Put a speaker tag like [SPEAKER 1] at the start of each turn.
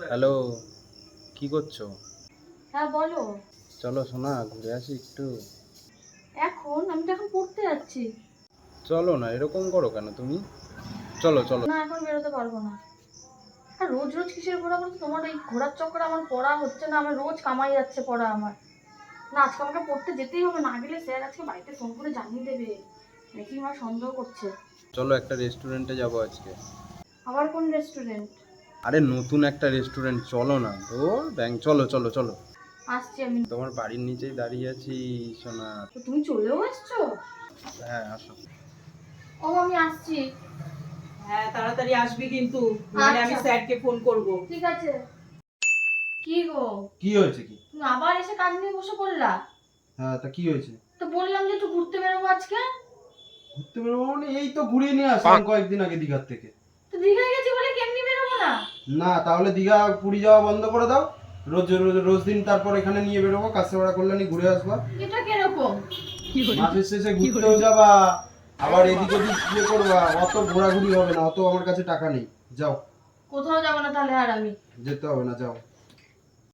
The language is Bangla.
[SPEAKER 1] হ্যালো, কি করছো?
[SPEAKER 2] হ্যাঁ বলো।
[SPEAKER 1] চলো সোনা ঘুরে আসি একটু।
[SPEAKER 2] এখন আমি তো এখন পড়তে যাচ্ছি।
[SPEAKER 1] চলো না, এরকম করো কেন তুমি? চলো চলো।
[SPEAKER 2] না এখন বেরোতে পারবো না। আর রোজ রোজ কিসের ঘোরা বলতো? তোমার এই ঘোরার চক্করে আমার পড়া হচ্ছে না, আমার রোজ কামাই যাচ্ছে পড়া আমার। না আজকে আমাকে পড়তে যেতেই হবে, না গেলে স্যার আজকে বাড়িতে ফোন করে জানিয়ে দেবে। দেখি আমার সন্দেহ করছে।
[SPEAKER 1] চলো একটা রেস্টুরেন্টে যাবো আজকে।
[SPEAKER 2] আবার কোন রেস্টুরেন্ট?
[SPEAKER 1] আরে নতুন একটা রেস্টুরেন্ট, চলো না তো। চলো চলো চলো।
[SPEAKER 2] আসছি আমি।
[SPEAKER 1] তোমার বাড়ির নিচেই দাঁড়িয়ে আছি সোনা।
[SPEAKER 2] তো তুমি চলেও এসছো?
[SPEAKER 1] হ্যাঁ আসো।
[SPEAKER 2] ও আমি আসছি।
[SPEAKER 3] হ্যাঁ তাড়াতাড়ি আসবি কিন্তু, নাহলে আমি
[SPEAKER 2] আচ্ছা
[SPEAKER 3] স্যারকে ফোন করব।
[SPEAKER 2] ঠিক আছে। কি গো,
[SPEAKER 1] কি হয়েছে কি?
[SPEAKER 2] তুমি আবার এসে কাজ নিয়ে বসে পড়লা?
[SPEAKER 1] হ্যাঁ তা কি হয়েছে?
[SPEAKER 2] তো বললাম যে একটু ঘুরতে বেরোবো আজকে।
[SPEAKER 1] ঘুরতে বেরোবো মানে এই তো ঘুরিয়ে নিয়ে আসলাম কয়েকদিন আগে দীঘার থেকে।
[SPEAKER 2] তো দীঘায় গেছি বলে কেমনি বেরোবো না?
[SPEAKER 1] না তাহলে দীঘা পুরী যাওয়া বন্ধ করে দাও। রোজ রোজ রোজ দিন তারপর এখানে নিয়ে বেরোবো, কাছেপাড়া কল্যাণী ঘুরে আসবা।
[SPEAKER 2] এটা কিরকম?
[SPEAKER 1] মাসের শেষে ঘুরতেও যাবা, আবার এদিক ওদিক ইয়ে করবা। অত ঘোরাঘুরি হবে না, অত আমার কাছে টাকা নেই। যাও।
[SPEAKER 2] কোথাও যাবো না তাহলে আর আমি।
[SPEAKER 1] যেতে হবে না, যাও।